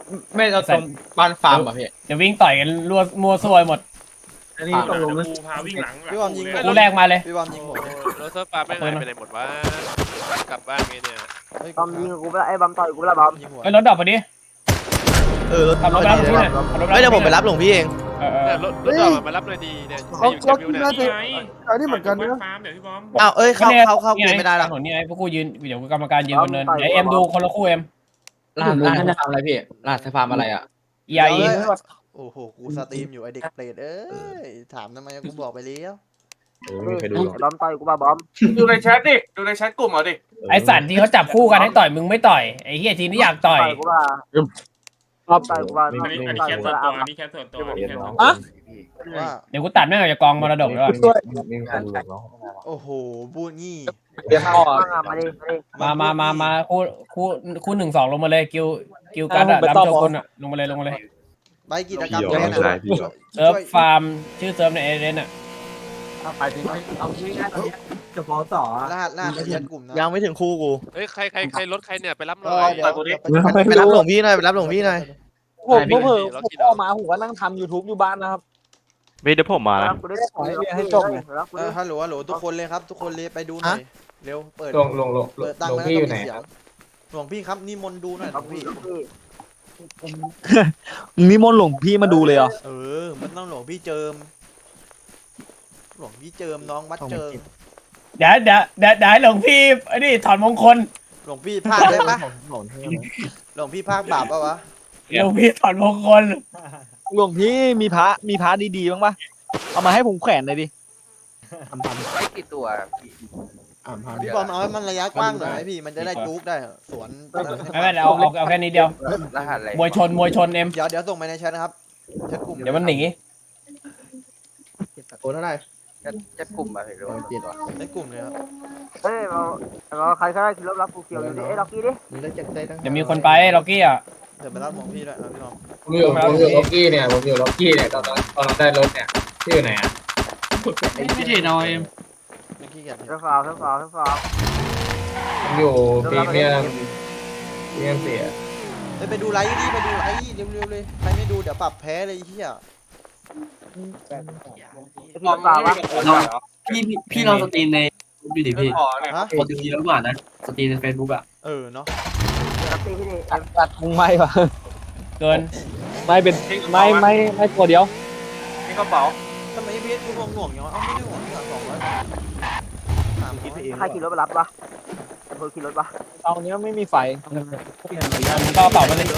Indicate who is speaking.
Speaker 1: ไม่เราตรงบ้านฟาร์มอ่ะพี่
Speaker 2: เดี๋ยววิ่งต่อยกันรัวมัวซวยหมด
Speaker 3: อันนี้ตกลงกูพาวิ่งหลัง
Speaker 4: พี่บอมยิง
Speaker 2: กูแรกมาเลย
Speaker 4: พี่บอมยิงผมเลย
Speaker 5: รถเซิร์ฟฟ้าไม่หายไปไหนหมดวะกลับบ้านไงเนี่ย
Speaker 6: บอมยิงกูไปแล้วไอ้บอมต่อยกูไปแล้วบอม
Speaker 4: ยิงหัว
Speaker 2: ไอ้รถดอกพอดี
Speaker 4: รถ
Speaker 2: ขับรถไปรับพี่หน่อยขับรถ
Speaker 4: ไม่เดี๋ยวผมไปรับหลวงพี่เอง
Speaker 5: เนี่ยรถเรามารับเลยดีเนี่ยอยู่แคมป์วิวเนี่ย
Speaker 3: นี่ไง
Speaker 7: อันนี้เหมือนกันนะ
Speaker 3: ฟาร์มเดี๋ยวพี่บอม
Speaker 4: อ้าวเอ้ยเข้าเกมไม่ได้หรอ
Speaker 2: ถนนนี่ไงพวกกูยืนเดี๋ยวกรรมการยืนบนเนินไอเอ็มดูคนละคู่เอ็ม
Speaker 1: รหัสจะทำอะไรพี่รหัสฟาร์มอะไรอ่ะ
Speaker 2: EIE
Speaker 4: โอ้โหกูสตรีมอยู่ไอเด็กเปรตเอ้ยถามทำไมกูบอกไปแล้ว
Speaker 7: ไม่เคยดูหรอก
Speaker 6: ไอ้บอมต่อยกูป่ะบอม
Speaker 3: ดูในแชทดิดูในแชทกลุ่มเอาดิ
Speaker 2: ไอสันที่เขาจับคู่กันให้ต่อยมึงไม่ต่อยไอเฮียทีนี้อยากต่อย
Speaker 6: กูป่ะต่อยกูป่ะ
Speaker 3: อันนี้แคทส่วนตัวอันนี้แคทส่วนตัวอันนี้แคทส่วนตัว
Speaker 4: ว่า
Speaker 2: เดี๋ยวกูตัดแม่งออกจากกองมรดกแล้ว
Speaker 7: ไม่มีใครดูหรอกเนาะ
Speaker 4: โอ้โหพูดงี้
Speaker 1: เรียนพ่อ
Speaker 6: มาดิ
Speaker 2: มาคู่1-2ลงมาเลยกิวกันอะรับโชกุนอะลงมาเลย
Speaker 4: ไปกิจกรรม
Speaker 7: พี่
Speaker 4: แค่
Speaker 7: ไม่
Speaker 4: นั้น
Speaker 7: ใช่พี่หรอก
Speaker 2: เซิร์ฟฟาร์มชื่อเซิร์ฟในเอเดนอะ
Speaker 1: ไปถึงเอาชื่อง่ายตอนนี้
Speaker 7: จะฟ้องต่อ
Speaker 4: รหัสแชทกลุ่มนะยังไม่ถึงคู่กู
Speaker 5: เฮ้ยใครรถใครเนี่ยไปรับหน่
Speaker 4: ก็
Speaker 5: อย
Speaker 4: เดี๋ยวไปรับหลวงพี่หน่อยไปรับหลวงพี่หน่อย
Speaker 5: ผมเพิ่มออกมา
Speaker 6: ผมก็นั่งทำ YouTube อยู่บ้านนะครับ
Speaker 8: ไม่เดี๋ยวผมมาแล้ว
Speaker 6: กูได้ขอให้จบเลย
Speaker 4: ฮัลโหลทุกคนเลยครับทุกคนเลยไปดูหน่อยเร็วเปิด
Speaker 1: ลง
Speaker 4: เปิดตั้ง
Speaker 1: ลง
Speaker 4: แล้ว
Speaker 1: พี่อยู่ไหน
Speaker 4: เสียงหลวงพี่ครับนิมนต์ดูหน่อยหลวงพี่
Speaker 8: นิมนต์หลวงพี่มาดูเลยเหรอ
Speaker 4: มันต้องหลวงพี่เจิมหลวงพี่เจิมน้องวัดเจิม
Speaker 2: เดี๋ยวให้หลวงพี่ไอ้นี่ถอนมงคล
Speaker 4: หลวงพี่ภาคได้ปะหลวงพี่ภาคบาปปะวะ
Speaker 2: หลวงพี่ถอนมงคล
Speaker 8: หลวงพี่มีพระดีๆบ้างปะเอามาให้ผมแขวนเลยดิ
Speaker 6: ไม่กี่ตัว
Speaker 4: พี่บอมเอาให้มันระยะกว้างหน่อยไหมพี่มันจะได้จุกได้สวน
Speaker 2: ไม่เป็นไรเอาแค่นี้เดียว
Speaker 6: รหัสอะไร
Speaker 2: มวยชนเอ็ม
Speaker 4: เดี๋ยวส่งไปในแชทนะครับแชทกลุ่ม
Speaker 2: เดี๋ยวมันหนี
Speaker 1: โอนเท่าไหร่
Speaker 6: จะกลุ่มอะไรหรือว่า
Speaker 4: ในกลุ่มเลยครับ
Speaker 6: เฮ้ยเราใครก็ได้คิดรับกูเกี่ยวอยู่ดิเอ้ล็อกกี้ดิ
Speaker 1: มันได้จากได้ตั้ง
Speaker 2: เดี๋ยวมีคนไปล็อกกี้อ่ะ
Speaker 4: เดี๋ยวไปรับหลวงพี่ด้วยพี่น้อง
Speaker 1: ผมอยู่ล็อกกี้เนี่ยตอนเราได้รถเนี่ยที่อยู่ไหนอ่ะ
Speaker 2: ไม่ใช่น้อย
Speaker 4: ไม่ขี้เกียจ
Speaker 6: เท่าฟาว
Speaker 1: ผมอยู่พรีเมียมเสีย
Speaker 4: ไปดูไลฟ์ดิไปดูไลฟ์เร็วๆเลยใครไม่ดูเดี๋ยวปรับแพ้เลยเฮีย
Speaker 6: พี่ฟาววะ
Speaker 9: พี่ลองสตรีมในดูดิพี่
Speaker 4: ฮะ
Speaker 9: ปกติแล้วกว่านะสตรีมในเฟซบุ๊กอะ
Speaker 4: เนาะ
Speaker 6: ล็อกกี้พี่ดิ
Speaker 8: ตัดมุงไม่ปะ
Speaker 2: เกิน
Speaker 8: ไม่เป็นไม่ตัวเดียว
Speaker 3: นี่กระเป๋า
Speaker 4: ทำไมพีเอสกูหน่วงอย่างวะเอ้าไม่ได้หน่วงที่200ถามคิดไปเอง
Speaker 6: ใครขี่รถไปรับวะคนขี่รถวะ
Speaker 8: ตอนนี้ไม่มีไฟ
Speaker 2: ก็เป่ามาเลย